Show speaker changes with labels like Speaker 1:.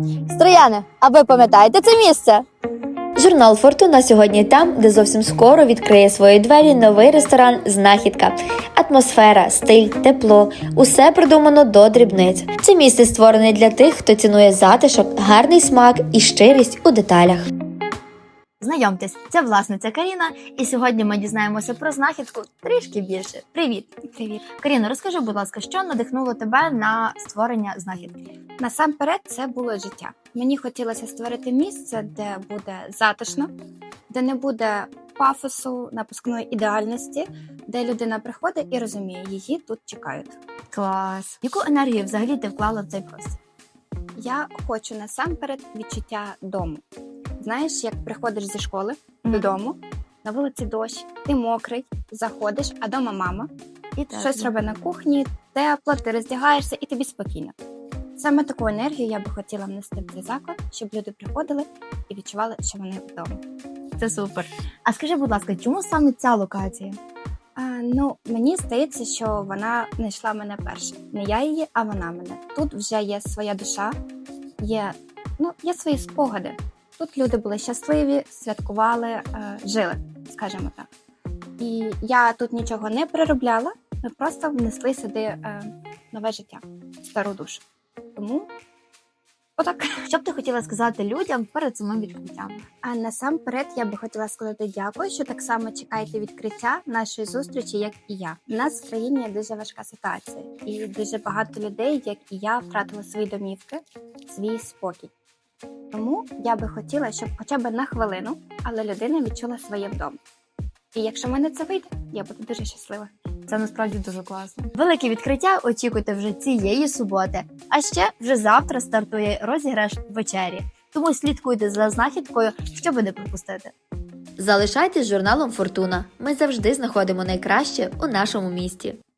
Speaker 1: Строяни, а ви пам'ятаєте це місце?
Speaker 2: Журнал «Фортуна» сьогодні там, де зовсім скоро відкриє свої двері новий ресторан «Знахідка». Атмосфера, стиль, тепло – усе продумано до дрібниць. Це місце створене для тих, хто цінує затишок, гарний смак і щирість у деталях.
Speaker 1: Знайомтесь, це власниця Каріна, і сьогодні ми дізнаємося про знахідку трішки більше. Привіт!
Speaker 3: Привіт.
Speaker 1: Каріно, розкажи, будь ласка, що надихнуло тебе на створення знахідки?
Speaker 3: Насамперед, це було життя. Мені хотілося створити місце, де буде затишно, де не буде пафосу, напускної ідеальності, де людина приходить і розуміє, її тут чекають.
Speaker 1: Клас! Яку енергію взагалі ти вклала в цей простір?
Speaker 3: Я хочу насамперед відчуття дому. Знаєш, як приходиш зі школи додому, на вулиці дощ, ти мокрий, заходиш, а дома мама,
Speaker 1: І так.
Speaker 3: щось робить на кухні, тепло, ти роздягаєшся і тобі спокійно. Саме таку енергію я би хотіла внести в цей заклад, щоб люди приходили і відчували, що вони вдома.
Speaker 1: Це супер. А скажи, будь ласка, чому саме ця локація?
Speaker 3: Мені здається, що вона знайшла мене перше. Не я її, а вона мене. Тут вже є своя душа, є свої спогади. Тут люди були щасливі, святкували, жили, скажімо так. І я тут нічого не переробляла, ми просто внесли сюди нове життя, стару душу. Тому отак.
Speaker 1: Що б ти хотіла сказати людям перед самим відкриттям?
Speaker 3: А насамперед я би хотіла сказати дякую, що так само чекаєте відкриття нашої зустрічі, як і я. У нас в країні дуже важка ситуація, і дуже багато людей, як і я, втратили свої домівки, свій спокій. Тому я би хотіла, щоб хоча б на хвилину, але людина відчула своє вдома. І якщо в мене це вийде, я буду дуже щаслива.
Speaker 1: Це насправді дуже класно. Велике відкриття очікуйте вже цієї суботи. А ще вже завтра стартує розіграш вечері. Тому слідкуйте за знахідкою, щоб не пропустити.
Speaker 2: Залишайтесь з журналом «Фортуна». Ми завжди знаходимо найкраще у нашому місті.